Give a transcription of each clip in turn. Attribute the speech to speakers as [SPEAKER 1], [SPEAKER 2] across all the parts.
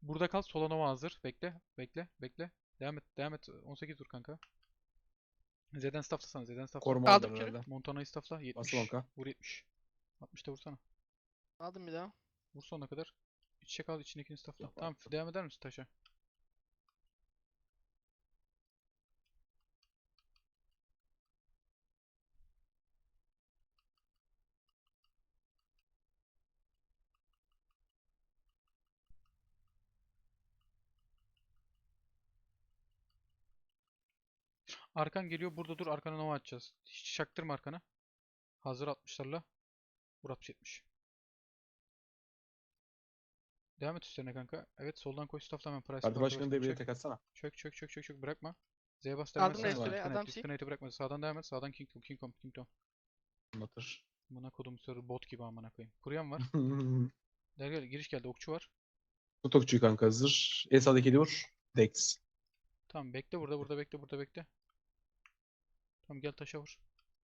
[SPEAKER 1] Burada kal. Sola Nova hazır. Bekle. Bekle. Bekle. Devam et. Devam et. 18 dur kanka. Z'den stafflasana. Z'den staffla.
[SPEAKER 2] Koruma
[SPEAKER 3] Aldım
[SPEAKER 2] aldılar
[SPEAKER 3] kürü.
[SPEAKER 2] herhalde.
[SPEAKER 1] Montana'yı staffla.
[SPEAKER 2] Bastım
[SPEAKER 1] 70.
[SPEAKER 2] onka.
[SPEAKER 1] Vur 70. 60'ta vursana.
[SPEAKER 3] Aldım bir daha.
[SPEAKER 1] Vur sonuna kadar. İçe kal. İçindekini staffla. Tamam. Devam eder misin taşa? Arkan geliyor. Burada dur. Arkana Nova atacağız. Hiç çaktırma arkana. Hazır 60'larla. Vur 60 70. Devam et üstlerine kanka. Evet soldan koş staffla hemen. Price
[SPEAKER 2] Parti
[SPEAKER 1] parti
[SPEAKER 2] başkanı diye
[SPEAKER 1] başkanı
[SPEAKER 2] bir
[SPEAKER 1] çök.
[SPEAKER 2] tek atsana.
[SPEAKER 1] Çök çök çök çök çök. Bırakma. Z'ye bas devam et.
[SPEAKER 3] Aldım
[SPEAKER 1] Devam et.
[SPEAKER 2] restore,
[SPEAKER 1] Disconnect,
[SPEAKER 3] adam sil.
[SPEAKER 1] disconnect'i bırakma. Sağdan devam et. Sağdan King Kong. King Kong. King Kong.
[SPEAKER 2] Anlatır.
[SPEAKER 1] Amına kodum sarı bot gibi amına koyayım. Kuruyan var. Gel gel giriş geldi. Okçu var.
[SPEAKER 2] Tut okçuyu kanka hazır. En sağdaki eli vur. Dex.
[SPEAKER 1] Tamam bekle burada bekle burada bekle. Tamam gel taşa vur.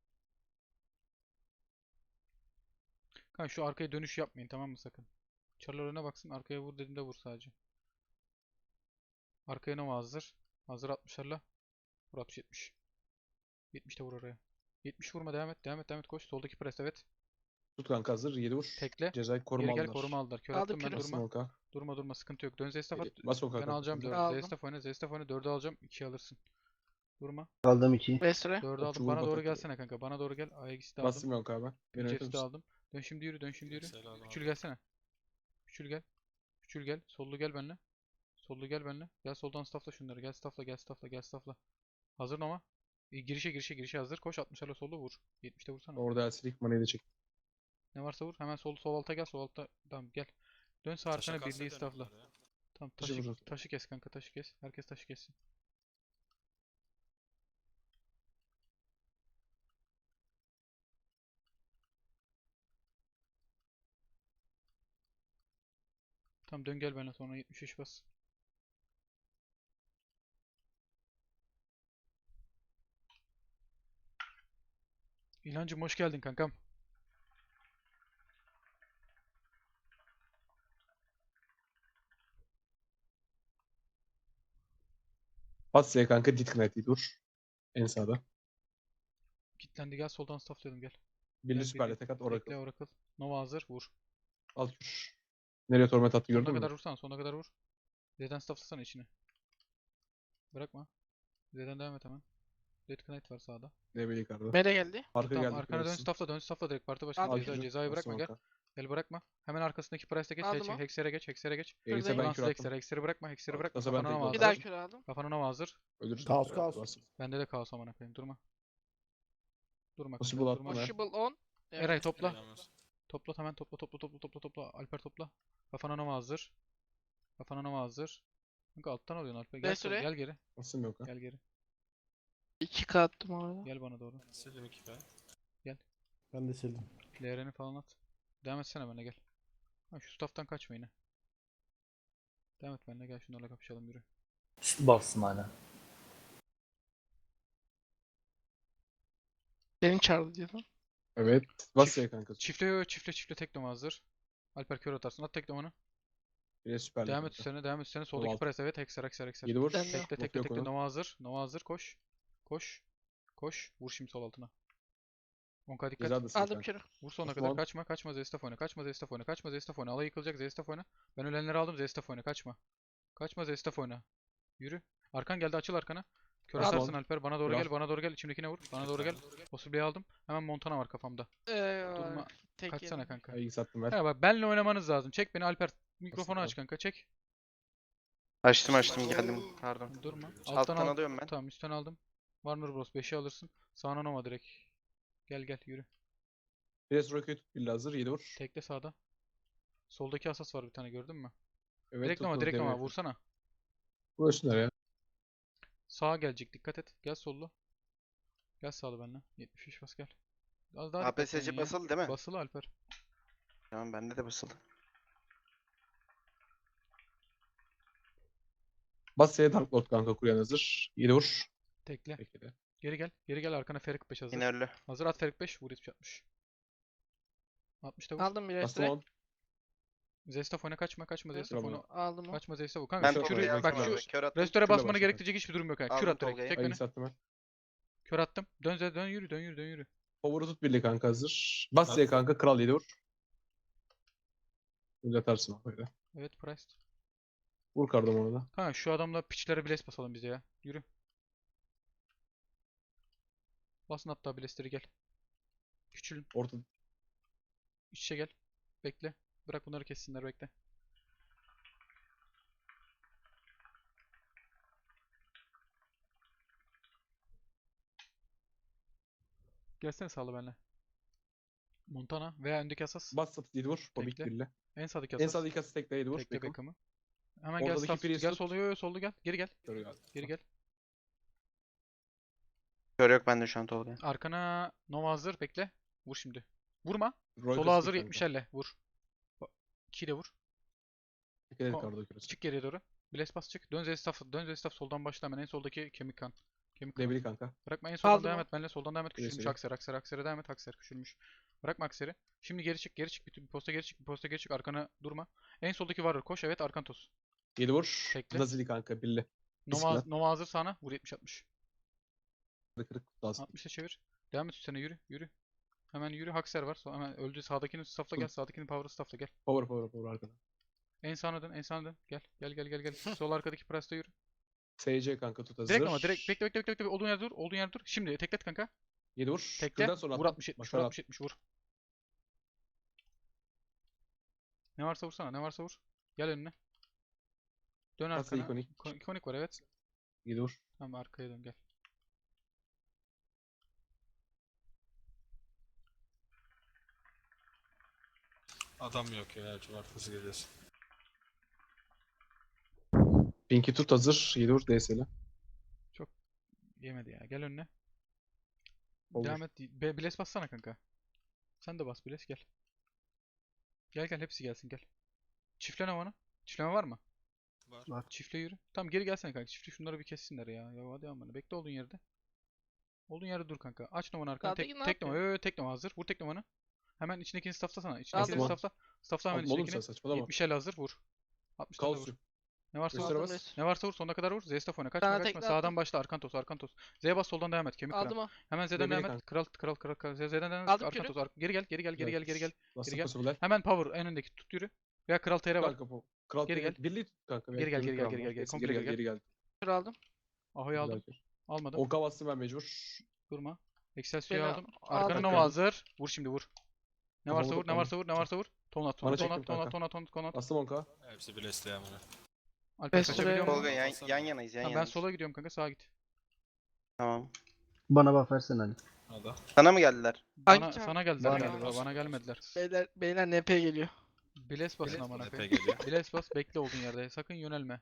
[SPEAKER 1] Kanka şu arkaya dönüş yapmayın tamam mı sakın. Çarlar öne baksın. Arkaya vur dediğimde vur sadece. Arkaya Nova hazır. Hazır 60'larla. Vur 60 70. 70 de vur oraya. 70 vurma devam et. Devam et devam et koş. Soldaki pres evet.
[SPEAKER 2] Tut kanka hazır. 7 vur.
[SPEAKER 1] Tekle.
[SPEAKER 2] Cezayı koruma
[SPEAKER 1] Geri gel
[SPEAKER 2] aldılar.
[SPEAKER 1] koruma aldılar. Kör
[SPEAKER 3] Aldım
[SPEAKER 1] attım ben
[SPEAKER 3] kürü.
[SPEAKER 2] Bastım
[SPEAKER 1] durma.
[SPEAKER 2] onka.
[SPEAKER 1] Durma sıkıntı yok. Dön Zestaf at.
[SPEAKER 2] Bas onka
[SPEAKER 1] Ben
[SPEAKER 2] kanka.
[SPEAKER 1] alacağım
[SPEAKER 2] Sıkıntı
[SPEAKER 1] 4'ü.
[SPEAKER 2] yok.
[SPEAKER 3] Aldım.
[SPEAKER 1] Zestaf oyna 4'ü alacağım. 2'yi alırsın. Durma.
[SPEAKER 4] Aldım 2.
[SPEAKER 3] Restore.
[SPEAKER 1] 4'ü
[SPEAKER 2] Okçu
[SPEAKER 1] aldım.
[SPEAKER 2] vur
[SPEAKER 1] Bana doğru
[SPEAKER 2] batak.
[SPEAKER 1] gelsene kanka. Bana doğru gel. Aegis'i de aldım.
[SPEAKER 2] Bastım onka abi. Beni yönetir
[SPEAKER 1] Jeff'i de
[SPEAKER 2] misin?
[SPEAKER 1] aldım. Dön şimdi yürü. Dön şimdi yürü.
[SPEAKER 5] Selam
[SPEAKER 1] Küçül
[SPEAKER 5] abi.
[SPEAKER 1] gelsene. Küçül gel. Küçül gel. Sollu gel benimle. Sollu gel benimle. Gel soldan staffla şunları. Gel staffla gel staffla gel staffla. Hazır Nova. Girişe hazır. Koş 60'larla sollu vur. 70'te vursana.
[SPEAKER 2] Orada Elsilik manayı da çek.
[SPEAKER 1] Ne varsa vur. Hemen sol alta gel. Sol alta. Tamam gel. Dön sağ
[SPEAKER 5] Taşa
[SPEAKER 1] arkana birliği
[SPEAKER 5] kalsaydın
[SPEAKER 1] staffla.
[SPEAKER 5] bunlar ya.
[SPEAKER 1] Tamam
[SPEAKER 2] Taşı vururuz.
[SPEAKER 1] taşı kes kanka taşı kes. Herkes taşı kessin. Tamam dön gel benimle sonra 73 bas. İlhancım hoş geldin kankam.
[SPEAKER 2] Bas ya kanka. Disconnect'i dur. En sağda.
[SPEAKER 1] Kitlendi gel soldan stafflayalım gel.
[SPEAKER 2] Birli
[SPEAKER 1] Gel
[SPEAKER 2] süperle
[SPEAKER 1] birliği.
[SPEAKER 2] tek at.
[SPEAKER 1] Bekle
[SPEAKER 2] Oracle.
[SPEAKER 1] Oracle. Nova hazır vur.
[SPEAKER 2] Al kür. Nereye torment attı
[SPEAKER 1] Sonuna
[SPEAKER 2] gördün mü?
[SPEAKER 1] kadar vursan sonuna kadar vur. Z'den stafflasana içine. Bırakma. Z'den devam et hemen. Dead Knight var sağda.
[SPEAKER 2] DB yukarıda.
[SPEAKER 3] Mele geldi.
[SPEAKER 2] Arka
[SPEAKER 1] Tamam
[SPEAKER 2] geldi.
[SPEAKER 1] arkana dön
[SPEAKER 2] Biliyorsun.
[SPEAKER 1] dön staffla direkt parti
[SPEAKER 3] Al
[SPEAKER 1] başkanı
[SPEAKER 3] kürü.
[SPEAKER 1] cezayı
[SPEAKER 2] Bastım
[SPEAKER 1] bırakma gel.
[SPEAKER 2] onka.
[SPEAKER 1] Gel bırakma. Hemen arkasındaki price'e geç.
[SPEAKER 3] Aldım o.
[SPEAKER 1] Hexer'e geç.
[SPEAKER 2] Elise
[SPEAKER 3] Buradayım.
[SPEAKER 2] ben
[SPEAKER 1] Fransız
[SPEAKER 2] kür
[SPEAKER 1] Hexer'e.
[SPEAKER 2] attım.
[SPEAKER 1] Hexer'i bırakma. Hexer'i bırakma.
[SPEAKER 2] Kasa ben
[SPEAKER 1] Kafana
[SPEAKER 2] tek
[SPEAKER 1] Nova
[SPEAKER 3] Bir
[SPEAKER 2] aldım.
[SPEAKER 3] daha
[SPEAKER 1] hazır.
[SPEAKER 3] kür aldım.
[SPEAKER 1] Kafana Nova hazır.
[SPEAKER 2] Ölürsün.
[SPEAKER 4] Kaos, kaos.
[SPEAKER 2] Bas.
[SPEAKER 1] Bende de kaos amına koyayım. Durma. Durma kanka.
[SPEAKER 2] Possible attım
[SPEAKER 1] Durma.
[SPEAKER 2] ben.
[SPEAKER 3] Possible 10.
[SPEAKER 1] Eray topla.
[SPEAKER 5] Yalnız.
[SPEAKER 1] Topla hemen topla. Alper topla. Kafana Nova hazır. Kafana Nova hazır. Kanka alttan alıyorsun Alper. Gel,
[SPEAKER 3] Restore.
[SPEAKER 1] gel geri.
[SPEAKER 2] Bastım yok ha.
[SPEAKER 1] Gel geri.
[SPEAKER 3] 2K attım orada.
[SPEAKER 1] Gel bana doğru.
[SPEAKER 5] Sildim 2K.
[SPEAKER 4] Ben de sildim.
[SPEAKER 1] LR'ni falan at. Devam etsene benimle gel. Ha, şu staff'tan kaçma yine. Devam et benimle gel şunlarla kapışalım yürü.
[SPEAKER 6] Üstü bassın hala.
[SPEAKER 3] Beni çağırdı diyordum.
[SPEAKER 2] Evet. Bas ya kanka.
[SPEAKER 1] Çiftle tek Nova hazır. Alper kör atarsın. At tek Nova'nı.
[SPEAKER 2] Bire süperle
[SPEAKER 1] Devam et
[SPEAKER 2] kanka.
[SPEAKER 1] üstlerine. Soldaki
[SPEAKER 2] altı.
[SPEAKER 1] press evet. Hexer.
[SPEAKER 2] 7 vur.
[SPEAKER 3] Ben de.
[SPEAKER 1] Tekle Nova hazır. Nova hazır koş. Koş. Vur şimdi sol altına. 10k dikkat.
[SPEAKER 2] Cezadasın
[SPEAKER 3] Aldım
[SPEAKER 2] kanka.
[SPEAKER 3] kürü.
[SPEAKER 1] Vur sonuna
[SPEAKER 2] Osman.
[SPEAKER 1] kadar kaçma Zestaf oyna. Kaçma Zestaf oyna. Alay yıkılacak Zestaf oyna. Ben ölenleri aldım Zestaf oyna kaçma. Kaçma Zestaf oyna. Yürü. Arkan geldi açıl arkana. Kör
[SPEAKER 2] Osman.
[SPEAKER 1] atarsın Alper bana doğru
[SPEAKER 2] Kral.
[SPEAKER 1] gel bana doğru gel içimdekine vur. Bana doğru gel. Possible'yi aldım. Hemen Montana var kafamda. Durma.
[SPEAKER 3] Tek
[SPEAKER 1] Kaçsana
[SPEAKER 3] yedim.
[SPEAKER 1] kanka.
[SPEAKER 2] Ay sattım ver.
[SPEAKER 1] Ya bak benle oynamanız lazım. Çek beni Alper. Mikrofonu aç kanka çek.
[SPEAKER 7] Açtım geldim. Pardon.
[SPEAKER 1] Durma.
[SPEAKER 7] Alttan
[SPEAKER 1] al.
[SPEAKER 7] alıyorum ben.
[SPEAKER 1] Tamam üstten aldım. Warner Bros 5'i alırsın. Sağına Nova direkt. Gel yürü.
[SPEAKER 2] Bire roket tut. Birli hazır. 7 vur.
[SPEAKER 1] Tekle sağda. Soldaki asas var bir tane gördün mü?
[SPEAKER 2] Evet.
[SPEAKER 1] Direkt Nova
[SPEAKER 2] tuttum, DB.
[SPEAKER 1] vursana.
[SPEAKER 2] Vursunlar ya.
[SPEAKER 1] Sağa gelecek dikkat et. Gel sollu. Gel sağlı benimle. 73 bas gel. Az daha dikkatli
[SPEAKER 7] APSC
[SPEAKER 1] oynayın ya.
[SPEAKER 7] basılı değil mi?
[SPEAKER 1] Basılı Alper.
[SPEAKER 7] Tamam bende de basılı.
[SPEAKER 2] Bas ya Dark Lord kanka. Kuryan hazır. 7 vur.
[SPEAKER 1] Tekle.
[SPEAKER 2] Peki de.
[SPEAKER 1] Geri gel arkana Ferik 5 hazır.
[SPEAKER 7] Yine ölü.
[SPEAKER 1] Hazır at Ferik 5 vur 70 60. 60'ta vur.
[SPEAKER 3] Aldım bir
[SPEAKER 2] Bastım
[SPEAKER 3] restore.
[SPEAKER 2] 10.
[SPEAKER 1] Zestaf oyna, kaçma Zestaf
[SPEAKER 2] Bravo.
[SPEAKER 1] oyna.
[SPEAKER 3] Aldım mı?
[SPEAKER 1] Kaçma Zestaf oyna. Kanka
[SPEAKER 7] Ben
[SPEAKER 1] şu
[SPEAKER 2] Tolga'yı
[SPEAKER 1] kürü
[SPEAKER 7] Tolga'yı
[SPEAKER 1] bak
[SPEAKER 7] aldım
[SPEAKER 1] şu
[SPEAKER 7] abi. Kör attım.
[SPEAKER 1] restore
[SPEAKER 2] Kürle
[SPEAKER 1] basmana
[SPEAKER 2] basacak
[SPEAKER 1] gerektirecek hiçbir durum yok ha. Kür
[SPEAKER 7] Aldım
[SPEAKER 1] at direkt.
[SPEAKER 7] Tolga'yı.
[SPEAKER 1] Tek
[SPEAKER 2] Ayı
[SPEAKER 1] önü.
[SPEAKER 2] sattım ben.
[SPEAKER 1] Kör attım. Dön yürü dön yürü.
[SPEAKER 2] Power'ı tut birli kanka hazır. Bas Z kanka kral 7 vur. Uzatarsın böyle.
[SPEAKER 1] Evet Price.
[SPEAKER 2] Vur kardamonu da.
[SPEAKER 1] Kanka şu adamla piçlere biles basalım bize ya. Yürü. Basın hatta bilesleri gel. Küçülün.
[SPEAKER 2] Orta
[SPEAKER 1] İç içe gel. Bekle. Bırak bunları kessinler bekle. Gelsene sağla benimle. Montana veya öndeki asas.
[SPEAKER 2] bas satı 7 vur. Bobik
[SPEAKER 1] Tekle.
[SPEAKER 2] birli.
[SPEAKER 1] En sağdaki
[SPEAKER 2] En
[SPEAKER 1] asas.
[SPEAKER 2] sağdaki kası tekle 7 vur.
[SPEAKER 1] Tekle
[SPEAKER 2] Beckham.
[SPEAKER 1] Beckham'ı. Hemen gel
[SPEAKER 2] Oradaki
[SPEAKER 1] staff.
[SPEAKER 2] Priest
[SPEAKER 1] Gel
[SPEAKER 2] tut.
[SPEAKER 1] solda. Yo solda gel. Geri gel.
[SPEAKER 2] Dur ya.
[SPEAKER 1] Geri gel.
[SPEAKER 7] Kör yok bende şu an Tolga.
[SPEAKER 1] Arkana Nova hazır. Bekle. Vur şimdi. Vurma.
[SPEAKER 2] Roy
[SPEAKER 1] Sola
[SPEAKER 2] kası
[SPEAKER 1] hazır
[SPEAKER 2] kanka.
[SPEAKER 1] 70 elle. Vur. 2 de vur.
[SPEAKER 2] Dikkat et
[SPEAKER 1] Ko-
[SPEAKER 2] kardo küresi.
[SPEAKER 1] Çık geriye doğru. Bless bas çık. Dön Zestaf. Dön Zestaf soldan başla hemen. En soldaki kemik kan. Kemik kan.
[SPEAKER 2] Debili kanka.
[SPEAKER 1] Bırakma en soldan
[SPEAKER 3] Aldım
[SPEAKER 1] devam
[SPEAKER 3] o.
[SPEAKER 1] et. Benle soldan devam et. Küçülmüş
[SPEAKER 2] Birisi
[SPEAKER 1] Akser. Akser'e devam et. Akser küçülmüş. Bırakma Akser'i. Şimdi geri çık. Geri çık. Bir posta geri çık. Bir posta geri çık. Arkana durma. En soldaki varır. Koş. Evet. Arkan toz.
[SPEAKER 2] 7 vur.
[SPEAKER 1] Tekle.
[SPEAKER 2] Nazili kanka birli.
[SPEAKER 1] Nova,
[SPEAKER 2] Bismillah.
[SPEAKER 1] Nova hazır sağına. Vur 70-60.
[SPEAKER 2] Kırık lazım.
[SPEAKER 1] 60'a çevir. Devam et üstüne yürü. Yürü. Hemen yürü. Hakser var. Hemen öldü. Sağdakini staffla gel. Sağdakini power staffla gel.
[SPEAKER 2] Power arkada.
[SPEAKER 1] En sağına dön. En sağına dön. Gel. Sol arkadaki presta yürü.
[SPEAKER 2] SC kanka tut hazır.
[SPEAKER 1] Direkt ama direkt bekle. Olduğun yerde dur. Olduğun yerde dur. Şimdi teklet kanka.
[SPEAKER 2] 7 vur.
[SPEAKER 1] Tekle.
[SPEAKER 2] Kürden sonra
[SPEAKER 1] Vur
[SPEAKER 2] atla.
[SPEAKER 1] 60-70. Vur
[SPEAKER 2] Başlar
[SPEAKER 1] 60-70 vur. Ne varsa vursana. Ne varsa vur. Gel önüne. Dön
[SPEAKER 2] Kasa
[SPEAKER 1] arkana.
[SPEAKER 2] ikonik.
[SPEAKER 1] İkonik var evet.
[SPEAKER 2] 7 vur.
[SPEAKER 1] Tamam arkaya dön gel.
[SPEAKER 5] Adam yok ya cumartesi gecesi.
[SPEAKER 2] Pinky tut hazır. 7 vur DS'le.
[SPEAKER 1] Yemedi ya. Gel önüne.
[SPEAKER 2] Olur.
[SPEAKER 1] Devam et. Biles bassana kanka. Sen de bas Biles gel. Gel hepsi gelsin gel. Çiftleme bana. Çiftleme var mı?
[SPEAKER 5] Var.
[SPEAKER 1] Çiftle yürü. Tamam geri gelsene kanka. Çiftle şunları bir kessinler ya. Ya hadi amına. Bekle olduğun yerde. Olduğun yerde dur kanka. Aç numaranı arkana.
[SPEAKER 3] Sağdaki ne
[SPEAKER 1] Tek numara.
[SPEAKER 3] yapıyor?
[SPEAKER 1] Tek numara hazır. Vur tek numaranı. Hemen içindekini stafflasana.
[SPEAKER 3] Aldım
[SPEAKER 1] İçindekini
[SPEAKER 3] onu.
[SPEAKER 1] staffla. Staffla hemen
[SPEAKER 2] Aldım oğlum sen
[SPEAKER 1] içindekini.
[SPEAKER 2] saçmalama.
[SPEAKER 1] 70 el hazır vur. 60 tane de vur.
[SPEAKER 2] Kaos.
[SPEAKER 1] Ne varsa vur.
[SPEAKER 2] Göster
[SPEAKER 3] Aldım
[SPEAKER 2] bas.
[SPEAKER 3] res.
[SPEAKER 1] Ne varsa vur sonuna kadar vur. Zestaf oyna. Kaçma
[SPEAKER 3] Sana
[SPEAKER 1] kaçma.
[SPEAKER 3] tekle
[SPEAKER 1] Sağdan
[SPEAKER 3] attım.
[SPEAKER 1] başla. Arkan tos. Z bas soldan devam et. Kemik kıran.
[SPEAKER 3] Aldım o.
[SPEAKER 1] Hemen Z'den
[SPEAKER 2] Debeli
[SPEAKER 1] devam et.
[SPEAKER 2] kanka.
[SPEAKER 1] Kral. Z'den devam et.
[SPEAKER 3] Aldım
[SPEAKER 1] Arkan
[SPEAKER 3] kürü.
[SPEAKER 1] tos. Geri gel.
[SPEAKER 2] Bastı
[SPEAKER 1] gel.
[SPEAKER 2] possible.
[SPEAKER 1] Hemen power en öndeki tut yürü. Veya kral TR var.
[SPEAKER 2] Kanka bu. Kral
[SPEAKER 1] Geri
[SPEAKER 2] geri
[SPEAKER 1] gel.
[SPEAKER 2] Birliği tut kanka.
[SPEAKER 1] Geri gel,
[SPEAKER 2] Kürün
[SPEAKER 1] geri gel,
[SPEAKER 2] kral
[SPEAKER 1] geri
[SPEAKER 2] var.
[SPEAKER 1] gel.
[SPEAKER 2] Neyse,
[SPEAKER 1] Komple geri
[SPEAKER 2] geri gel.
[SPEAKER 3] Kür aldım.
[SPEAKER 1] Aho'yu aldım.
[SPEAKER 2] Güzel.
[SPEAKER 1] Almadım.
[SPEAKER 2] Onka bastım ben mecbur.
[SPEAKER 1] Durma. Excelsior'u
[SPEAKER 3] Beni
[SPEAKER 1] aldım. Arkana
[SPEAKER 3] aldım.
[SPEAKER 1] Nova hazır. Vur şimdi vur. Ne
[SPEAKER 2] Kafamı
[SPEAKER 1] varsa vur. Ne
[SPEAKER 2] toplam.
[SPEAKER 1] varsa vur. Ne varsa vur. Tonat.
[SPEAKER 2] Bana çektim kanka.
[SPEAKER 1] Tonat.
[SPEAKER 2] Bastım onka.
[SPEAKER 5] Hepsi bilesli amına.
[SPEAKER 1] Alper
[SPEAKER 3] Restore
[SPEAKER 1] kaçabiliyor mu?
[SPEAKER 7] Tolga yan yanayız yan
[SPEAKER 1] Tamam, ben
[SPEAKER 7] yanayız.
[SPEAKER 1] sola gidiyorum kanka. Sağa git.
[SPEAKER 7] Tamam.
[SPEAKER 4] Bana bak versene Ali.
[SPEAKER 5] Hadi.
[SPEAKER 7] Sana mı geldiler?
[SPEAKER 1] Bana,
[SPEAKER 3] can?
[SPEAKER 1] sana geldiler
[SPEAKER 4] Bana
[SPEAKER 1] galiba.
[SPEAKER 5] geldi.
[SPEAKER 1] Bana gelmediler.
[SPEAKER 3] Beyler NP geliyor.
[SPEAKER 1] Biles basın amına
[SPEAKER 5] Epe
[SPEAKER 1] koyayım.
[SPEAKER 5] geliyor.
[SPEAKER 1] Biles bas. Bekle olduğun yerde. Sakın yönelme.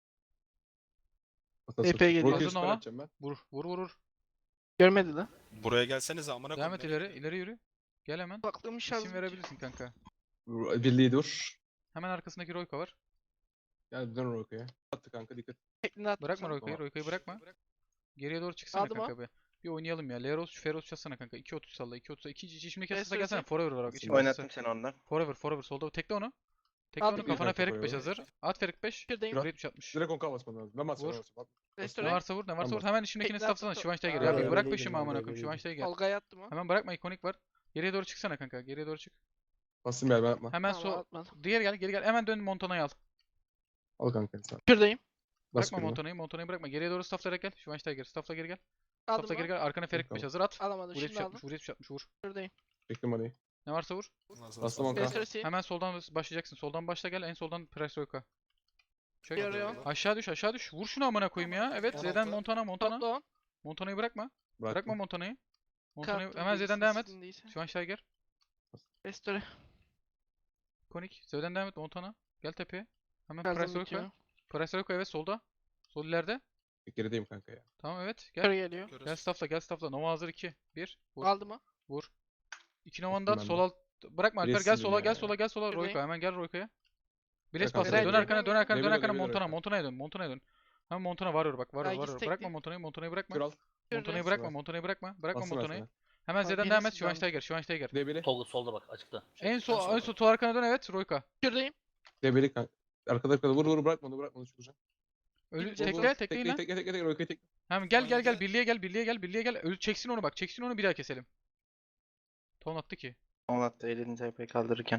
[SPEAKER 3] Epey geliyor.
[SPEAKER 1] Hazır
[SPEAKER 2] Hazır
[SPEAKER 1] Nova.
[SPEAKER 2] atacağım ben.
[SPEAKER 1] Vur.
[SPEAKER 3] Görmedi lan.
[SPEAKER 5] Buraya gelsenize amına
[SPEAKER 1] Devam et
[SPEAKER 5] koyayım.
[SPEAKER 1] ileri yürü. Gel hemen.
[SPEAKER 3] Baklığım şarj.
[SPEAKER 1] İsim verebilirsin kanka.
[SPEAKER 2] Birliği dur.
[SPEAKER 1] Hemen arkasındaki Royka var.
[SPEAKER 2] Gel dön Royka'ya. Attı kanka dikkat.
[SPEAKER 3] Teklini attım
[SPEAKER 1] Bırakma
[SPEAKER 3] sana.
[SPEAKER 1] Royka'yı. Royka'yı bırakma. Geriye doğru çıksana
[SPEAKER 3] Aldım
[SPEAKER 1] kanka be. Bir oynayalım ya. Leros, Feroz çalsana kanka. 2.30 salla. 2.30. İçimdeki asasa
[SPEAKER 3] Restoresi.
[SPEAKER 1] gelsene. Forever var bak.
[SPEAKER 2] Nasıl
[SPEAKER 1] İçimdeki asasa.
[SPEAKER 7] Oynattım seni ondan.
[SPEAKER 1] Forever. Solda. Tekle onu. Tekle
[SPEAKER 3] Aldım
[SPEAKER 1] onu.
[SPEAKER 3] bir
[SPEAKER 1] Kafana
[SPEAKER 2] kanka
[SPEAKER 1] Ferik 5
[SPEAKER 2] Forever.
[SPEAKER 1] hazır. At Ferik 5.
[SPEAKER 3] Şuradayım.
[SPEAKER 1] Vur 70-60.
[SPEAKER 2] Direkt onka basman lazım. Ben basmam
[SPEAKER 1] Vur.
[SPEAKER 2] lazım.
[SPEAKER 1] Ne
[SPEAKER 3] Restore.
[SPEAKER 1] varsa vur.
[SPEAKER 2] Tamam.
[SPEAKER 1] Hemen içindekini
[SPEAKER 3] Tekle
[SPEAKER 1] stafflasana.
[SPEAKER 3] attım.
[SPEAKER 1] Şivanç'taya gel.
[SPEAKER 3] Aa,
[SPEAKER 1] Ya bir
[SPEAKER 4] öyle
[SPEAKER 1] bırak
[SPEAKER 4] değilim,
[SPEAKER 1] peşimi
[SPEAKER 4] ben
[SPEAKER 1] amına
[SPEAKER 4] de
[SPEAKER 1] koyayım.
[SPEAKER 4] öyle
[SPEAKER 1] Şivanç'taya gel.
[SPEAKER 3] Tolga'ya attım o.
[SPEAKER 1] Hemen bırakma ikonik var. Geriye doğru çıksana kanka. Geriye doğru çık.
[SPEAKER 2] Bastım ben yapma.
[SPEAKER 1] Hemen
[SPEAKER 3] Tamam,
[SPEAKER 1] sol.
[SPEAKER 3] atmadım.
[SPEAKER 1] Geri gel. Hemen dön Montana'yı al.
[SPEAKER 2] Al kanka sen.
[SPEAKER 3] Şuradayım.
[SPEAKER 2] Bas
[SPEAKER 1] Bırakma
[SPEAKER 2] kürünü.
[SPEAKER 1] Montana'yı bırakma. Geriye doğru stafflayarak gel. Şivanç'taya gel. Staffla geri gel.
[SPEAKER 3] Aldım
[SPEAKER 1] Staffla geri
[SPEAKER 3] o.
[SPEAKER 1] gel. Arkana Ferik 5
[SPEAKER 2] Tamam.
[SPEAKER 1] hazır at.
[SPEAKER 3] Alamadım.
[SPEAKER 1] Vur
[SPEAKER 3] Şimdi
[SPEAKER 1] 70-60.
[SPEAKER 3] aldım.
[SPEAKER 1] Vur 70-60 vur.
[SPEAKER 3] Şuradayım.
[SPEAKER 2] Bekle manayı.
[SPEAKER 1] Ne varsa vur.
[SPEAKER 2] Bastım onka.
[SPEAKER 3] Restoresi.
[SPEAKER 1] Hemen soldan başlayacaksın. Soldan başla gel. En soldan Price Royka. Çök.
[SPEAKER 3] Yarıyor.
[SPEAKER 1] Aşağı düş. Vur şunu amına koyayım ya. Evet. Z'den Montana.
[SPEAKER 3] Topla on.
[SPEAKER 1] Montana'yı bırakma. Bırakma
[SPEAKER 2] Bıraktım.
[SPEAKER 1] Montana'yı.
[SPEAKER 3] Kartım
[SPEAKER 1] Hemen
[SPEAKER 3] değilse,
[SPEAKER 1] Z'den devam et.
[SPEAKER 3] sizin değilse.
[SPEAKER 1] Şu an Steiger.
[SPEAKER 3] Restore.
[SPEAKER 1] Konik. Z'den devam et Montana. Gel tepeye. Hemen
[SPEAKER 3] Şarjım
[SPEAKER 1] Price Royka.
[SPEAKER 3] bitiyor.
[SPEAKER 1] Price Royka evet solda. Sol ileride.
[SPEAKER 2] Gerideyim kanka ya.
[SPEAKER 1] Tamam evet.
[SPEAKER 3] Kör
[SPEAKER 1] Gel.
[SPEAKER 3] geliyor.
[SPEAKER 1] Gel staffla. Nova hazır 2. 1. Vur.
[SPEAKER 3] Aldım o.
[SPEAKER 1] Vur. 2 Nova'nı da at.
[SPEAKER 2] ben
[SPEAKER 1] Sol
[SPEAKER 2] de.
[SPEAKER 1] alt. Bırakma Alper. Gel
[SPEAKER 2] Bilesin
[SPEAKER 1] sola.
[SPEAKER 2] ya.
[SPEAKER 1] Gel sola.
[SPEAKER 3] Şuradayım.
[SPEAKER 1] Royka. Hemen gel Royka'ya. Biles
[SPEAKER 2] Bırak
[SPEAKER 1] bas.
[SPEAKER 3] arkaya.
[SPEAKER 1] Dön arkana.
[SPEAKER 2] Level
[SPEAKER 1] Montana.
[SPEAKER 2] Royka.
[SPEAKER 1] Montana'ya dön. Hemen Montana varıyor bak.
[SPEAKER 3] Ay,
[SPEAKER 1] Varıyor.
[SPEAKER 3] gitsek
[SPEAKER 1] Bırakma
[SPEAKER 3] mi?
[SPEAKER 1] Montana'yı bırakma.
[SPEAKER 2] Kür al.
[SPEAKER 1] Montana'yı
[SPEAKER 3] Kür
[SPEAKER 1] bırakma.
[SPEAKER 2] Bas.
[SPEAKER 1] Bırakma Bırakma
[SPEAKER 2] Bastım ben
[SPEAKER 1] Montana'yı.
[SPEAKER 2] sana.
[SPEAKER 1] Hemen
[SPEAKER 3] Abi,
[SPEAKER 1] Z'den devam et.
[SPEAKER 3] birisi
[SPEAKER 1] Şivanç'taya gel.
[SPEAKER 2] Debili.
[SPEAKER 6] Tolga solda bak açıkta.
[SPEAKER 1] En sol arkana dön evet Royka.
[SPEAKER 3] Şuradayım.
[SPEAKER 2] Debeli kanka. Arkada vur vur bırakma onu bırakma onu çıkacak.
[SPEAKER 1] Ölü
[SPEAKER 3] Gidecek
[SPEAKER 1] tekle
[SPEAKER 3] o.
[SPEAKER 1] tekleyin lan.
[SPEAKER 2] Tekle Royka'yı tekle.
[SPEAKER 1] Hemen gel gel gel
[SPEAKER 5] 17.
[SPEAKER 1] birliğe gel birliğe gel. Ölü çeksin onu bak. Çeksin onu bir daha keselim. Ton attı ki.
[SPEAKER 7] On attı elini TP kaldırırken.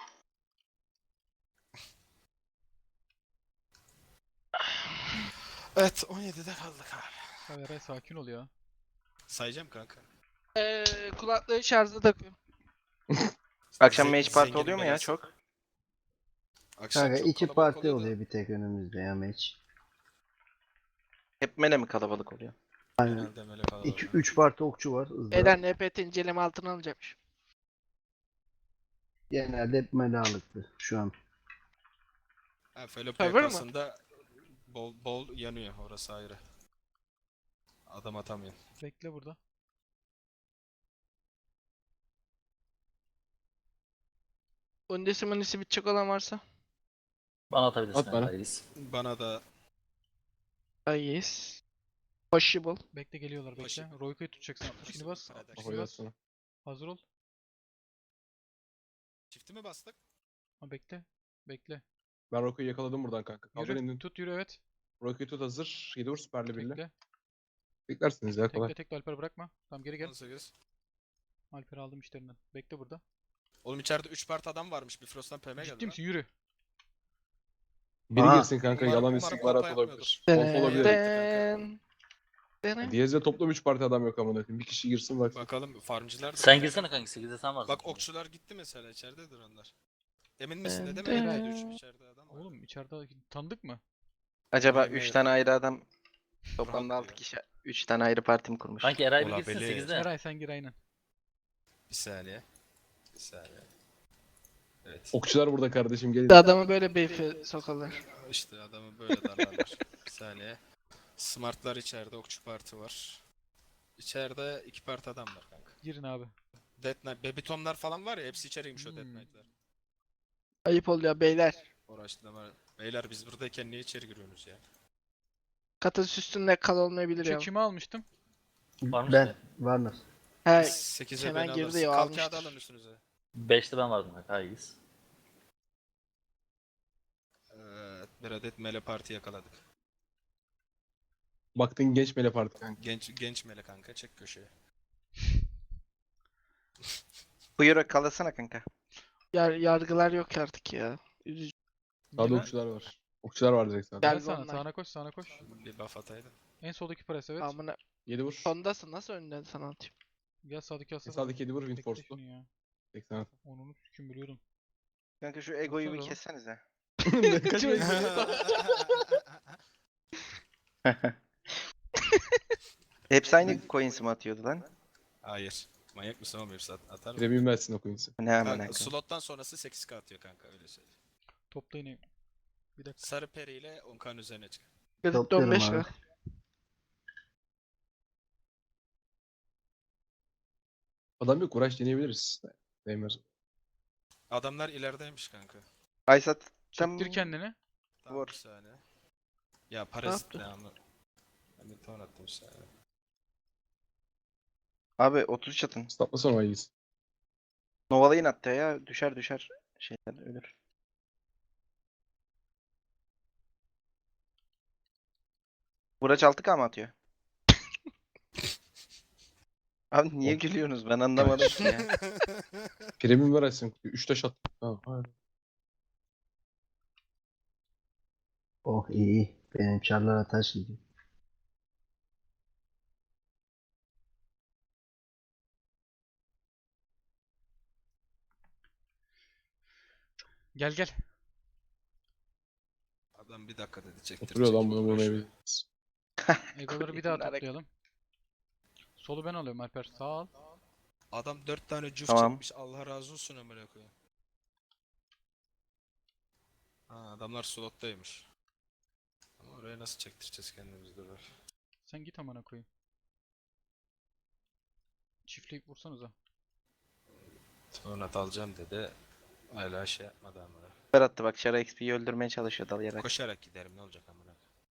[SPEAKER 5] Evet 17'de kaldık abi.
[SPEAKER 1] Ya Eray sakin ol ya.
[SPEAKER 5] Sayacağım kanka.
[SPEAKER 3] Kulaklığı şarjda takıyorum.
[SPEAKER 7] Akşam
[SPEAKER 5] Ze-
[SPEAKER 7] mage party
[SPEAKER 5] zenginin
[SPEAKER 7] oluyor mu ya
[SPEAKER 5] belası.
[SPEAKER 7] çok?
[SPEAKER 5] Akşam
[SPEAKER 4] Kanka
[SPEAKER 5] çok
[SPEAKER 4] iki
[SPEAKER 5] kalabalık
[SPEAKER 4] parti
[SPEAKER 5] da.
[SPEAKER 4] oluyor bir tek önümüzde ya meç.
[SPEAKER 7] Hep mele mi kalabalık oluyor?
[SPEAKER 4] Aynen.
[SPEAKER 5] Genelde böyle kalabalık.
[SPEAKER 4] 2-3 parti okçu var hızlı.
[SPEAKER 3] Beyler NPT inceleme altına alacakmış.
[SPEAKER 4] Genelde hep melalıktı şu an.
[SPEAKER 5] Ha, Fellow
[SPEAKER 3] Server mı?
[SPEAKER 5] PK'sında bol yanıyor orası ayrı. Adam atamıyor.
[SPEAKER 1] Bekle burada.
[SPEAKER 3] Undecimon'isi bitecek olan varsa.
[SPEAKER 6] Bana atabilirsin.
[SPEAKER 2] At bana.
[SPEAKER 6] Reis.
[SPEAKER 5] Bana da
[SPEAKER 3] Yes. Possible.
[SPEAKER 1] Bekle geliyorlar bekle.
[SPEAKER 5] Başı-
[SPEAKER 1] Royka'yı tutacaksın. 60'ını bas.
[SPEAKER 5] Kardeş.
[SPEAKER 1] 60'ını bas.
[SPEAKER 2] Sonra.
[SPEAKER 1] Hazır ol.
[SPEAKER 5] çifti mi bastık?
[SPEAKER 1] Ha bekle. Bekle.
[SPEAKER 2] Ben Royka'yı yakaladım buradan kanka. Kaldır
[SPEAKER 1] Yürü.
[SPEAKER 2] indin.
[SPEAKER 1] Tut yürü evet.
[SPEAKER 2] Royka'yı tut hazır. 7 vur süperli birle.
[SPEAKER 1] Bekle.
[SPEAKER 2] Beklersiniz ya kolay.
[SPEAKER 1] Tekle tekle Alper bırakma. Tamam geri gel.
[SPEAKER 5] 18.
[SPEAKER 1] Alper'i aldım işlerinden. Bekle burada.
[SPEAKER 5] Oğlum içeride 3 part adam varmış. Bifrost'tan PM geldi
[SPEAKER 1] Ciddi
[SPEAKER 5] lan.
[SPEAKER 1] misin? Yürü.
[SPEAKER 2] Biri
[SPEAKER 4] Aa.
[SPEAKER 2] girsin kanka.
[SPEAKER 5] Umarım-
[SPEAKER 2] Yalan
[SPEAKER 5] umarım
[SPEAKER 2] istihbarat
[SPEAKER 5] kolpa
[SPEAKER 2] olabilir.
[SPEAKER 5] yapmıyordur.
[SPEAKER 2] Kolpa olabilir.
[SPEAKER 3] Den. Den.
[SPEAKER 2] Diyez'de toplam 3 parti adam yok amına koyayım. Bir kişi girsin bak.
[SPEAKER 5] Bakalım farmcılar da.
[SPEAKER 6] Sen girsene kanka. 8'de sen varsın.
[SPEAKER 5] Bak okçular gitti mesela içeridedir onlar. Emin misin
[SPEAKER 3] Ben
[SPEAKER 5] de
[SPEAKER 3] de-
[SPEAKER 5] demeyin 3 içeride adam var.
[SPEAKER 1] Oğlum içeride tanıdık mı?
[SPEAKER 7] Acaba
[SPEAKER 5] Hayır,
[SPEAKER 7] 3
[SPEAKER 5] hayır.
[SPEAKER 7] tane ayrı adam toplamda
[SPEAKER 5] Rahat
[SPEAKER 7] 6
[SPEAKER 5] ya.
[SPEAKER 7] kişi 3 tane ayrı parti mi kurmuş?
[SPEAKER 6] Kanki Eray bir girsin
[SPEAKER 5] Olabilir.
[SPEAKER 6] 8'de.
[SPEAKER 1] Eray sen gir aynen.
[SPEAKER 5] Bir saniye. Bir saniye. Evet.
[SPEAKER 2] Okçular burada kardeşim gelin.
[SPEAKER 3] Adamı böyle beyfe sokarlar.
[SPEAKER 5] İşte adamı böyle darlarlar. Bir saniye. Smartlar içeride, okçu parti var. İçeride 2 parti adam var kanka.
[SPEAKER 1] Girin abi.
[SPEAKER 5] Death Knight, Babytomlar falan var ya hepsi içeriymiş o Death
[SPEAKER 1] Hmm.
[SPEAKER 5] Knight'lar.
[SPEAKER 3] Ayıp oluyor beyler.
[SPEAKER 5] Uğraştırma. Beyler biz buradayken niye içeri giriyorsunuz ya?
[SPEAKER 3] Katası üstünde kal olmayabilir ya.
[SPEAKER 1] Çekimi almıştım.
[SPEAKER 6] Varmış
[SPEAKER 4] Ben
[SPEAKER 6] mı?
[SPEAKER 4] Warner.
[SPEAKER 3] He,
[SPEAKER 5] 8'e
[SPEAKER 3] Kenan
[SPEAKER 5] beni
[SPEAKER 3] girdi
[SPEAKER 5] alırsın.
[SPEAKER 3] ya,
[SPEAKER 5] Kalk
[SPEAKER 3] almıştır.
[SPEAKER 5] kağıdı alın üstünüze.
[SPEAKER 6] 5'te ben vardım kanka. Hayır.
[SPEAKER 5] Evet, bir adet mele parti yakaladık.
[SPEAKER 2] Baktın genç mele parti kanka.
[SPEAKER 5] Genç mele kanka, çek köşeye.
[SPEAKER 7] Buyur kalasana kanka.
[SPEAKER 3] yargılar yok artık ya. Üzücü.
[SPEAKER 2] Sağda
[SPEAKER 1] Yine-
[SPEAKER 2] okçular var. Okçular var direkt sağda.
[SPEAKER 3] Gel
[SPEAKER 1] Gel sana,
[SPEAKER 3] onlar.
[SPEAKER 1] sağına koş, sağına koş.
[SPEAKER 5] Bir buff ataydın.
[SPEAKER 1] En soldaki pres evet.
[SPEAKER 3] Amına.
[SPEAKER 2] 7 vur.
[SPEAKER 3] Sondasın nasıl önden sana atayım?
[SPEAKER 1] Gel sağdaki
[SPEAKER 2] En
[SPEAKER 1] asla.
[SPEAKER 2] sağdaki 7 vur
[SPEAKER 1] Bekle
[SPEAKER 2] Windforce'lu.
[SPEAKER 1] şunu ya.
[SPEAKER 2] 80.
[SPEAKER 1] Onu kim biliyordum.
[SPEAKER 7] Kanka şu egoyu bir
[SPEAKER 1] Baksana.
[SPEAKER 7] kessenize. Hepsi aynı coins mi atıyordu lan?
[SPEAKER 5] Hayır. Manyak mısın oğlum hepsi atar mı?
[SPEAKER 2] Premium versin o coins'i.
[SPEAKER 7] Ne hemen
[SPEAKER 5] Kanka,
[SPEAKER 7] kanka.
[SPEAKER 5] slottan sonrası 8k atıyor kanka öyle söyleyeyim.
[SPEAKER 1] Topla yine. Bir dakika.
[SPEAKER 5] Sarı peri ile 10k'nın üzerine çık.
[SPEAKER 3] Kredit
[SPEAKER 4] Topluyorum
[SPEAKER 3] 15
[SPEAKER 4] abi.
[SPEAKER 3] var.
[SPEAKER 2] Adam yok uğraş deneyebiliriz. Değmez.
[SPEAKER 5] Adamlar ilerideymiş kanka.
[SPEAKER 7] Aysat tam
[SPEAKER 1] Çektir kendini.
[SPEAKER 5] Tamam
[SPEAKER 7] Vur.
[SPEAKER 5] bir saniye. Ya parazit
[SPEAKER 3] yaptı?
[SPEAKER 5] ne ama. Ben bir ton attım bir saniye.
[SPEAKER 7] Abi 33 atın.
[SPEAKER 2] Statlasana o ilgisi.
[SPEAKER 7] Novalayın hatta ya. Düşer şeyler ölür. Buraç 6K mı atıyor? Abi niye gülüyorsunuz? Ben anlamadım ki ya.
[SPEAKER 2] Premium ver açsın. 3 taş at. Tamam. Hadi.
[SPEAKER 4] Oh iyi. Benim çarlara taş gidiyor.
[SPEAKER 1] Gel gel.
[SPEAKER 5] Adam bir dakika dedi çektir.
[SPEAKER 2] Oturuyor lan
[SPEAKER 5] çektir,
[SPEAKER 2] bunu
[SPEAKER 5] uğraşıyor.
[SPEAKER 2] vurmayabiliriz.
[SPEAKER 1] Egoları bir daha
[SPEAKER 7] Bunlar-
[SPEAKER 1] toplayalım. Solu ben alıyorum Alper. Sağ al.
[SPEAKER 5] Adam 4 tane cüf
[SPEAKER 7] Tamam.
[SPEAKER 5] çekmiş. Allah razı olsun amına koyayım. Ha adamlar slottaymış. Ama oraya nasıl çektireceğiz kendimizi dur.
[SPEAKER 1] Sen git amına koyayım. Çiftleyip vursanıza.
[SPEAKER 5] Sonra alacağım dedi. Hala şey yapmadı amına.
[SPEAKER 7] Süper attı bak. Şara XP'yi öldürmeye çalışıyor dalayarak.
[SPEAKER 5] Koşarak giderim ne olacak amına.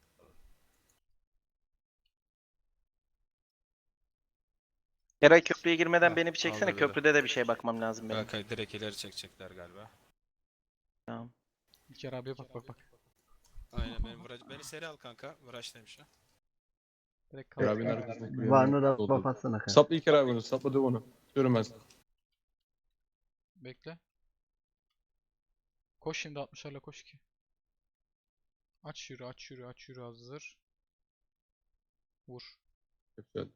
[SPEAKER 7] Eray köprüye girmeden
[SPEAKER 5] Ha,
[SPEAKER 7] beni bir çeksene.
[SPEAKER 5] aldı dedi.
[SPEAKER 7] Köprüde de bir şeye bakmam lazım benim.
[SPEAKER 5] Kanka direkt ileri çekecekler galiba.
[SPEAKER 7] Tamam.
[SPEAKER 1] İlker abiye bak bak bak.
[SPEAKER 5] Aynen beni seri al kanka. Vıraç demiş ha.
[SPEAKER 1] Direkt
[SPEAKER 2] İlker
[SPEAKER 1] kaldı.
[SPEAKER 2] abinin arkasındaki bir
[SPEAKER 4] Varnı da
[SPEAKER 2] yerine
[SPEAKER 4] buff atsana kanka.
[SPEAKER 2] Sapla İlker abi onu. Sapla döv onu. Diyorum ben sana.
[SPEAKER 1] Bekle. Koş şimdi 60'larla koş ki. Aç yürü aç yürü aç yürü hazır. Vur.
[SPEAKER 2] Çok güzel.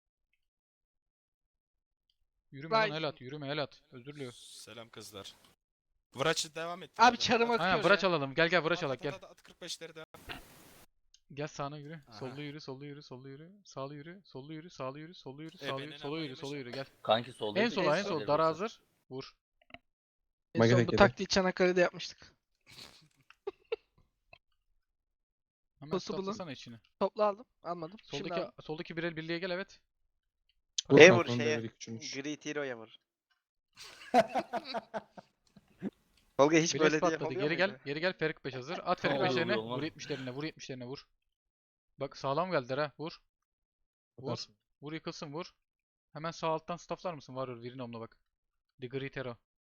[SPEAKER 1] Yürüme lan
[SPEAKER 3] Vay.
[SPEAKER 1] el at yürüme el at. Özür diliyorum.
[SPEAKER 5] Selam kızlar. Vıraç'ı devam et.
[SPEAKER 3] Abi çarım akıyor
[SPEAKER 1] Aynen
[SPEAKER 3] ya.
[SPEAKER 1] Vıraç alalım. Gel gel Vıraç alak gel.
[SPEAKER 5] At 45'leri de.
[SPEAKER 1] Gel sağına yürü.
[SPEAKER 5] Aha.
[SPEAKER 1] Sollu yürü, sollu yürü, sollu yürü. Sağlı yürü, sollu yürü, sağlı yürü, sollu yürü, sağlı yürü,
[SPEAKER 5] benim
[SPEAKER 1] sola yürü,
[SPEAKER 5] ama
[SPEAKER 1] sola yürü. Gel.
[SPEAKER 6] Kanki solda.
[SPEAKER 1] En sola, en
[SPEAKER 3] sol.
[SPEAKER 1] sol. Dara hazır. Vur.
[SPEAKER 3] En
[SPEAKER 2] Mage
[SPEAKER 3] son
[SPEAKER 2] tek
[SPEAKER 3] bu
[SPEAKER 2] yedi.
[SPEAKER 3] taktiği Çanakkale'de yapmıştık.
[SPEAKER 1] Hemen
[SPEAKER 3] Possible'ın.
[SPEAKER 1] stoplasana içini.
[SPEAKER 3] Topla aldım. Almadım. Şimdi
[SPEAKER 1] Soldaki
[SPEAKER 3] aldım.
[SPEAKER 1] soldaki bir el birliğe gel evet.
[SPEAKER 2] Vur
[SPEAKER 7] E
[SPEAKER 2] kanka,
[SPEAKER 7] vur
[SPEAKER 2] onu
[SPEAKER 7] şeye.
[SPEAKER 2] devre küçülmüş.
[SPEAKER 7] Great Hero'ya vur. Tolga hiç
[SPEAKER 1] Blaze
[SPEAKER 7] böyle diye
[SPEAKER 1] patladı.
[SPEAKER 7] oluyor
[SPEAKER 1] Geri gel.
[SPEAKER 7] muydu?
[SPEAKER 1] Geri gel. Ferik 5 hazır. At Ferik
[SPEAKER 6] Tamam,
[SPEAKER 1] 5'lerine.
[SPEAKER 6] oluyor lan.
[SPEAKER 1] Vur 70'lerine. Vur 70'lerine vur. Bak sağlam geldiler ha. Vur. Vur.
[SPEAKER 2] Atarsın.
[SPEAKER 1] Vur yıkılsın vur. Hemen sağ alttan stafflar mısın? Varıyor. Virinom'la bak. The Great Hero.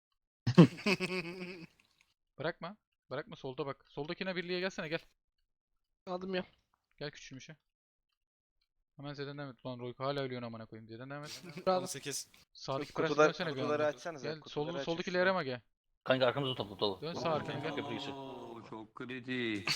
[SPEAKER 1] Bırakma. Bırakma solda bak. Soldakine birliğe gelsene gel.
[SPEAKER 3] Aldım ya.
[SPEAKER 1] Gel küçülmüşe. Hemen Z'den devam et. Lan Royko hala ölüyorsun amına koyayım. Z'den devam et.
[SPEAKER 3] Aldım.
[SPEAKER 5] 18.
[SPEAKER 1] Sağdaki
[SPEAKER 7] Şu
[SPEAKER 1] presi
[SPEAKER 7] kutular-
[SPEAKER 1] dönsene bir
[SPEAKER 7] kutuları
[SPEAKER 1] anda.
[SPEAKER 7] açsanıza,
[SPEAKER 1] Gel
[SPEAKER 7] kutuları açın
[SPEAKER 1] soldaki
[SPEAKER 7] şuradan.
[SPEAKER 1] Lerema gel.
[SPEAKER 6] Kanka arkamızı topla dolu.
[SPEAKER 1] Dön sağ arkana gel.
[SPEAKER 6] Köprü geçir.
[SPEAKER 8] Çok kritik.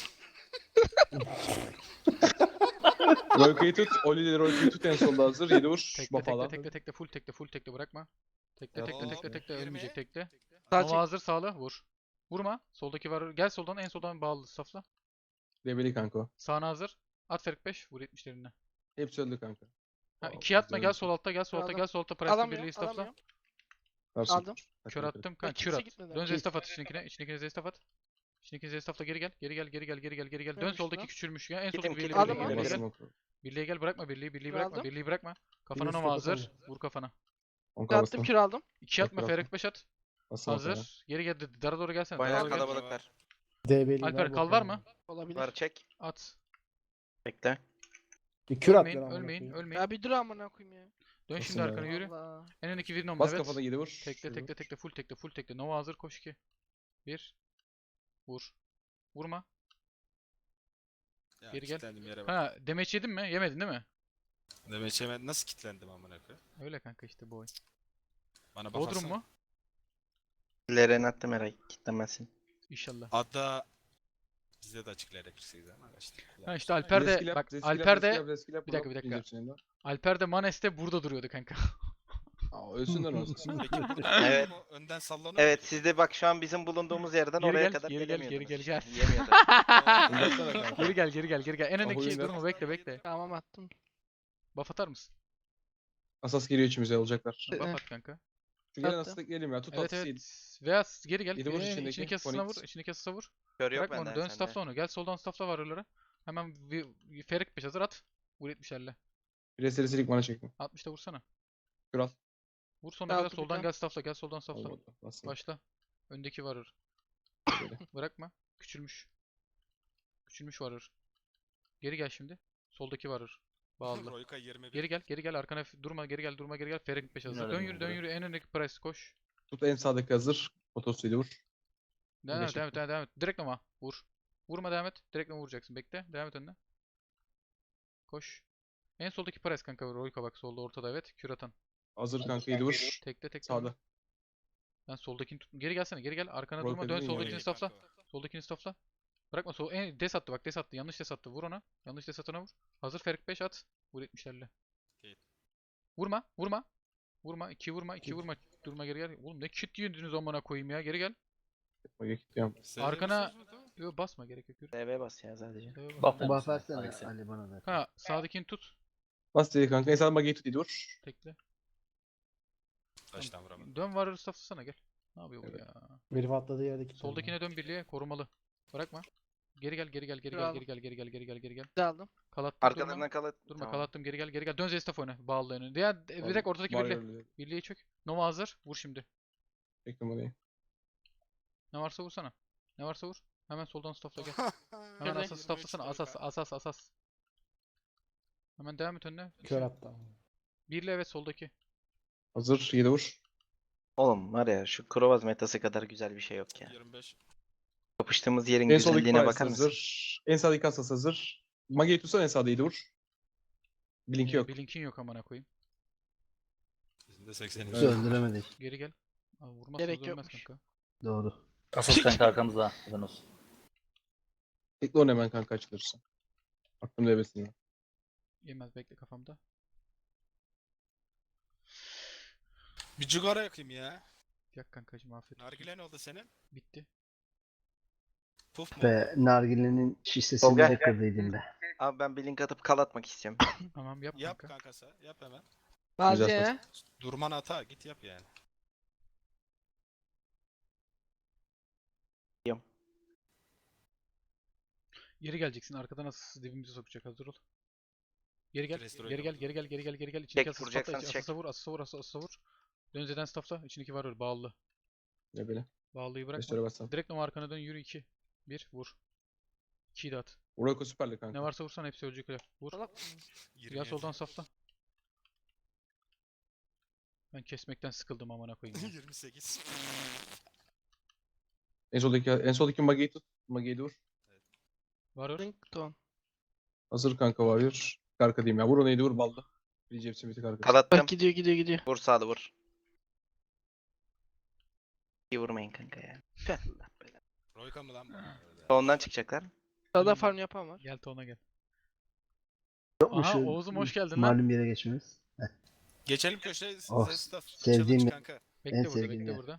[SPEAKER 2] Royko'yu tut. Oli ile Royko'yu tut en solda hazır. 7 vur.
[SPEAKER 1] Tekle
[SPEAKER 2] Buff
[SPEAKER 1] tekle
[SPEAKER 2] alan.
[SPEAKER 1] tekle tekle full tekle full tekle bırakma. Tekle tekle
[SPEAKER 5] Hop,
[SPEAKER 1] tekle tekle ölmeyecek
[SPEAKER 5] 20.
[SPEAKER 1] tekle.
[SPEAKER 3] Sağ
[SPEAKER 1] Nova
[SPEAKER 3] çek.
[SPEAKER 1] hazır sağla vur. Vurma. Soldaki var. Gel soldan en soldan bağlı safla.
[SPEAKER 2] Debeli kanka o.
[SPEAKER 1] Sağına hazır. At Ferik 5 vur 70'lerine.
[SPEAKER 2] Hepsi öldü kanka.
[SPEAKER 1] Ha
[SPEAKER 2] Wow,
[SPEAKER 1] 2 atma
[SPEAKER 2] güzel
[SPEAKER 1] gel
[SPEAKER 2] bir
[SPEAKER 1] sol
[SPEAKER 2] şey.
[SPEAKER 1] altta gel sol altta
[SPEAKER 3] Aldım.
[SPEAKER 1] gel sol altta Price'la
[SPEAKER 3] Alamıyorum.
[SPEAKER 1] birliği stafla.
[SPEAKER 3] Alamıyorum.
[SPEAKER 2] Varsın.
[SPEAKER 3] Aldım.
[SPEAKER 1] Kör attım kanka
[SPEAKER 3] kimse
[SPEAKER 1] kör at.
[SPEAKER 3] gitmedi.
[SPEAKER 1] Dön
[SPEAKER 3] Git.
[SPEAKER 1] zestaf at içinkine. İçinkine zestaf at. İçinkine zestafla geri gel. Geri gel geri gel geri gel geri gel. Dön
[SPEAKER 3] Neymiş
[SPEAKER 1] soldaki
[SPEAKER 3] lan?
[SPEAKER 1] küçülmüş ya. En
[SPEAKER 7] Kitim,
[SPEAKER 1] soldaki birliği
[SPEAKER 7] kitim.
[SPEAKER 3] Aldım,
[SPEAKER 1] birliğe
[SPEAKER 3] aldım.
[SPEAKER 1] gel.
[SPEAKER 2] Basın
[SPEAKER 1] Birliğe gel.
[SPEAKER 2] oku.
[SPEAKER 1] Birliğe gel bırakma birliği bırakma
[SPEAKER 3] Aldım.
[SPEAKER 1] birliği bırakma. Kafana
[SPEAKER 2] Birliği
[SPEAKER 1] Nova
[SPEAKER 2] stop
[SPEAKER 1] hazır.
[SPEAKER 2] atamıyor.
[SPEAKER 1] Vur kafana.
[SPEAKER 2] 10
[SPEAKER 3] Attım
[SPEAKER 2] bastım.
[SPEAKER 3] kür aldım.
[SPEAKER 1] 2 atma
[SPEAKER 2] Bekle,
[SPEAKER 1] Ferik 5 at.
[SPEAKER 2] Bastım o kadar.
[SPEAKER 1] Hazır. Geri gel. Dara doğru gelsene. Dara
[SPEAKER 7] Bayağı
[SPEAKER 1] doğru gel.
[SPEAKER 7] kalabalıklar.
[SPEAKER 1] Alper kal var mı?
[SPEAKER 3] Olabilir.
[SPEAKER 7] Var çek.
[SPEAKER 1] At.
[SPEAKER 7] Bekle.
[SPEAKER 9] Bir kür at
[SPEAKER 1] Ölmeyin,
[SPEAKER 9] lan amına
[SPEAKER 1] ölmeyin,
[SPEAKER 9] koyayım.
[SPEAKER 1] ölmeyin.
[SPEAKER 3] Ya bir dur amına koyayım ya.
[SPEAKER 1] Dön
[SPEAKER 2] Nasıl
[SPEAKER 1] şimdi
[SPEAKER 2] ya?
[SPEAKER 1] arkana yürü.
[SPEAKER 3] Allah.
[SPEAKER 1] En öndeki Virinom
[SPEAKER 2] Bas
[SPEAKER 1] evet.
[SPEAKER 2] kafana 7 vur.
[SPEAKER 1] Tekle
[SPEAKER 2] Yedi
[SPEAKER 1] tekle
[SPEAKER 2] vur.
[SPEAKER 1] tekle full tekle full tekle. Nova hazır koş 2. 1. Vur. Vurma.
[SPEAKER 5] Ya,
[SPEAKER 1] Geri gel.
[SPEAKER 5] kilitlendim yere bak.
[SPEAKER 1] Ha demeç yedin mi? Yemedin değil mi?
[SPEAKER 5] Demek hemen nasıl kilitlendim amına koyayım?
[SPEAKER 1] Öyle kanka işte bu oyun.
[SPEAKER 5] Bana
[SPEAKER 1] Bodrum
[SPEAKER 5] bakarsana.
[SPEAKER 1] mu?
[SPEAKER 7] Leren attım herhalde. Kitlemezsin.
[SPEAKER 1] İnşallah.
[SPEAKER 5] Adda bizde de açık LR48 ama işte.
[SPEAKER 1] Ha işte Alper de
[SPEAKER 2] Zeskilap,
[SPEAKER 1] bak
[SPEAKER 2] zeskilap,
[SPEAKER 1] Alper de
[SPEAKER 2] zeskilap, zeskilap.
[SPEAKER 1] bir dakika,
[SPEAKER 2] Blok
[SPEAKER 1] bir dakika.
[SPEAKER 2] yiyecek senin de.
[SPEAKER 1] Alper de Manes'te burada duruyordu kanka.
[SPEAKER 2] Aa, ölsünler olsun.
[SPEAKER 5] Peki bu
[SPEAKER 7] Evet.
[SPEAKER 5] önden sallanıyor.
[SPEAKER 7] Evet siz de bak şu an bizim bulunduğumuz yerden
[SPEAKER 1] Geri
[SPEAKER 7] oraya
[SPEAKER 1] gel,
[SPEAKER 7] kadar
[SPEAKER 1] geri gel, geri
[SPEAKER 7] gelemiyordunuz
[SPEAKER 1] gel,
[SPEAKER 7] işte.
[SPEAKER 1] gel.
[SPEAKER 7] Yemiyordunuz.
[SPEAKER 2] Uzatsana kanka.
[SPEAKER 1] Geri gel geri gel geri gel. En öndeki
[SPEAKER 2] oyunlar-
[SPEAKER 1] durma bekle.
[SPEAKER 3] Tamam attım.
[SPEAKER 1] Buff atar mısın?
[SPEAKER 2] Asas geliyor içimize olacaklar.
[SPEAKER 1] Buff
[SPEAKER 3] Eh.
[SPEAKER 1] at kanka.
[SPEAKER 2] Şu gelen
[SPEAKER 3] Attım.
[SPEAKER 2] asas gelelim ya. Tut
[SPEAKER 1] Evet
[SPEAKER 2] asası
[SPEAKER 1] evet. Veya geri gel.
[SPEAKER 2] Yedi vur içindeki,
[SPEAKER 1] İçindeki asasına vur.
[SPEAKER 2] Phoenix.
[SPEAKER 1] İçindeki asasına vur.
[SPEAKER 7] Kör yok
[SPEAKER 1] Bırakma onu.
[SPEAKER 7] benden
[SPEAKER 1] Dön
[SPEAKER 7] sende.
[SPEAKER 1] staffla onu. Gel soldan staffla var oralara. Hemen Ferik 5 hazır at. Vur 70'lerle.
[SPEAKER 2] Bir de serisilik bana çekme.
[SPEAKER 1] 60'ta vursana.
[SPEAKER 2] Kral.
[SPEAKER 1] Vur sonuna kadar
[SPEAKER 3] Altı bir
[SPEAKER 1] soldan
[SPEAKER 3] tane.
[SPEAKER 1] gel staffla. Gel soldan staffla.
[SPEAKER 2] Olmadı. Bastım.
[SPEAKER 1] Başla. Öndeki varır.
[SPEAKER 2] Böyle.
[SPEAKER 1] Bırakma. Küçülmüş. Küçülmüş varır. Geri gel şimdi. Soldaki varır. Bağlı.
[SPEAKER 5] Royka 21.
[SPEAKER 1] Geri gel arkana durma geri gel Ferik 5 hazır.
[SPEAKER 6] Nerede
[SPEAKER 1] Dön
[SPEAKER 6] bu
[SPEAKER 1] yürü
[SPEAKER 6] buraya?
[SPEAKER 1] en öndeki price koş.
[SPEAKER 2] Tut en sağdaki hazır. Otosuyla vur.
[SPEAKER 1] Devam et
[SPEAKER 2] Birleşik
[SPEAKER 1] devam et. Direkt ama vur. Vurma devam et. Direkt vuracaksın. Bekle. Devam et önüne. Koş. En soldaki price kanka. Royka bak solda ortada evet. Kür atan.
[SPEAKER 2] Hazır kanka 7 vur.
[SPEAKER 1] Tekle
[SPEAKER 2] Sağda.
[SPEAKER 1] Ben soldakini tut. Geri gelsene. Geri gel. Arkana
[SPEAKER 2] Royka
[SPEAKER 1] durma. Dön
[SPEAKER 2] dedin ya.
[SPEAKER 1] soldakini
[SPEAKER 5] İyi
[SPEAKER 1] staffla.
[SPEAKER 5] kanka.
[SPEAKER 1] Soldakini staffla. Bırakma sol. Des attı bak. Des attı. Yanlış des attı. Vur ona. Yanlış des atana vur. Hazır Ferik 5 at. Vur 70'lerle.
[SPEAKER 5] Okey.
[SPEAKER 1] Vurma. Vurma. Vurma. 2 vurma. 2 vurma. Durma geri gel. Oğlum ne kit yediniz amına koyayım ya. Geri gel.
[SPEAKER 2] Bak gidiyorum.
[SPEAKER 5] Size
[SPEAKER 1] Arkana-
[SPEAKER 5] diyorsunuz mu, tamam?
[SPEAKER 1] Yo basma gerek yok. Yürü.
[SPEAKER 7] DB bas ya sadece.
[SPEAKER 1] Devam
[SPEAKER 6] Buff
[SPEAKER 1] et.
[SPEAKER 6] ver
[SPEAKER 4] Buff
[SPEAKER 6] misin?
[SPEAKER 4] versene
[SPEAKER 6] Alex'e.
[SPEAKER 4] Ali bana da.
[SPEAKER 1] Ha sağdakini tut.
[SPEAKER 2] Bas dedi kanka. En sağda mageyi tut 7 vur.
[SPEAKER 1] Tekle.
[SPEAKER 5] Taştan vuramadım.
[SPEAKER 1] Dön varır stafflasana gel. Ne yapıyor bu
[SPEAKER 2] Evet.
[SPEAKER 1] ya?
[SPEAKER 9] Herif atladığı yerdeki.
[SPEAKER 1] Soldakine dön birliğe korumalı. Bırakma. Geri gel.
[SPEAKER 3] Bravo.
[SPEAKER 1] Geri gel.
[SPEAKER 3] Bir de aldım.
[SPEAKER 1] Kalattım durma.
[SPEAKER 7] Arkalarından kalıp.
[SPEAKER 1] Durma
[SPEAKER 7] Tamam.
[SPEAKER 1] kalattım geri gel. Dön Zestaf oyna. Bağlı önüne. Diğer direkt ortadaki birliğe.
[SPEAKER 2] Warrior'lı.
[SPEAKER 1] Birliğe çök. Nova hazır. Vur şimdi.
[SPEAKER 2] Çektim orayı.
[SPEAKER 1] Ne varsa vursana. Ne varsa vur. Hemen soldan staffla gel. Hemen
[SPEAKER 3] Şöyle.
[SPEAKER 1] asas stafflasana. Asas. Hemen devam et önüne.
[SPEAKER 9] Kör attı.
[SPEAKER 1] Birliğe evet soldaki.
[SPEAKER 2] Hazır 7 vur.
[SPEAKER 7] Oğlum var ya şu Krovaz metası kadar güzel bir şey yok ya.
[SPEAKER 5] 25.
[SPEAKER 7] Kapıştığımız yerin
[SPEAKER 2] En soldaki
[SPEAKER 7] güzelliğine
[SPEAKER 2] Price
[SPEAKER 7] bakar mısın?
[SPEAKER 2] hazır. En sağdaki Kassas hazır. Mage'yi tutsan en sağda 7 vur. Blink'i yok.
[SPEAKER 1] Blink'in yok amına koyayım.
[SPEAKER 5] Bizim de 80
[SPEAKER 2] Evet.
[SPEAKER 4] Öldüremedik.
[SPEAKER 1] Geri gel. Aa, vurmazsanız
[SPEAKER 3] Gerek
[SPEAKER 1] ölmez
[SPEAKER 3] yokmuş.
[SPEAKER 1] kanka.
[SPEAKER 4] Doğru.
[SPEAKER 6] Asıl kanka arkamızda. Neden olsun.
[SPEAKER 2] Bekle onu hemen kanka açılırsa. Aklım devresinde.
[SPEAKER 1] Yemez bekle kafamda.
[SPEAKER 5] Bir cigara yakayım ya.
[SPEAKER 1] Yak kankacım afiyet olsun.
[SPEAKER 5] Nargile ne oldu senin?
[SPEAKER 1] Bitti.
[SPEAKER 5] Puf mu?
[SPEAKER 4] Ve nargilenin
[SPEAKER 7] Tolga.
[SPEAKER 4] şişesini de kırdıydım be.
[SPEAKER 7] Abi ben bir link atıp kal atmak istiyorum.
[SPEAKER 1] Tamam yap
[SPEAKER 5] Yap
[SPEAKER 1] kanka.
[SPEAKER 5] kankası. Yap hemen.
[SPEAKER 3] Bazı
[SPEAKER 2] Güzel
[SPEAKER 3] ya.
[SPEAKER 5] Durman hata. Git yap yani.
[SPEAKER 1] Geri geleceksin. Arkadan asası dibimize sokacak. Hazır ol. Geri gel.
[SPEAKER 5] Restore
[SPEAKER 1] Geri gel.
[SPEAKER 5] yapalım.
[SPEAKER 1] Geri gel. Geri gel. Geri gel.
[SPEAKER 7] Çek,
[SPEAKER 1] İçindeki asası
[SPEAKER 7] vuracaksan
[SPEAKER 1] patla.
[SPEAKER 7] çek.
[SPEAKER 1] Asasa vur. Asasa vur. Asasa vur. Dön Z'den staffla. İçindeki var öyle. Bağlı.
[SPEAKER 2] Ne böyle?
[SPEAKER 1] Bağlıyı bırakma.
[SPEAKER 2] Restore bassam.
[SPEAKER 1] Direkt Nova arkana dön. Yürü 2. 1. Vur. 2'yi de at.
[SPEAKER 2] Urako süperli kanka.
[SPEAKER 1] Ne varsa vursan hepsi ölecek öyle. Vur.
[SPEAKER 3] Salak.
[SPEAKER 1] Ya soldan safla. Ben kesmekten sıkıldım amına koyayım. ya.
[SPEAKER 5] 28.
[SPEAKER 2] En soldaki Mage'yi tut. Mage'yi de vur.
[SPEAKER 1] Varır.
[SPEAKER 3] Ringtone.
[SPEAKER 2] Hazır kanka Warrior. Arka diyeyim ya. Vur onu 7 vur balda. Bir cepsi bir tık arka.
[SPEAKER 7] Kal attım.
[SPEAKER 3] Bak gidiyor.
[SPEAKER 7] Vur sağda vur. İyi vurmayın kanka ya. Tüh, Allah belanı.
[SPEAKER 5] Royka mı lan bu?
[SPEAKER 7] Ondan çıkacaklar.
[SPEAKER 3] Sağda farm yapan var.
[SPEAKER 1] Gel tona gel.
[SPEAKER 4] Yok mu
[SPEAKER 1] Aha
[SPEAKER 4] şu
[SPEAKER 1] Oğuz'um hoş geldin lan.
[SPEAKER 4] malum yere geçmemiz?
[SPEAKER 5] Geçelim köşeye.
[SPEAKER 4] Oh,
[SPEAKER 5] Staff.
[SPEAKER 4] sevdiğim
[SPEAKER 5] Challenge
[SPEAKER 4] ya.
[SPEAKER 5] kanka.
[SPEAKER 1] Bekle
[SPEAKER 4] En
[SPEAKER 1] burada
[SPEAKER 4] sevdiğim
[SPEAKER 1] bekle
[SPEAKER 4] yer.
[SPEAKER 1] burada.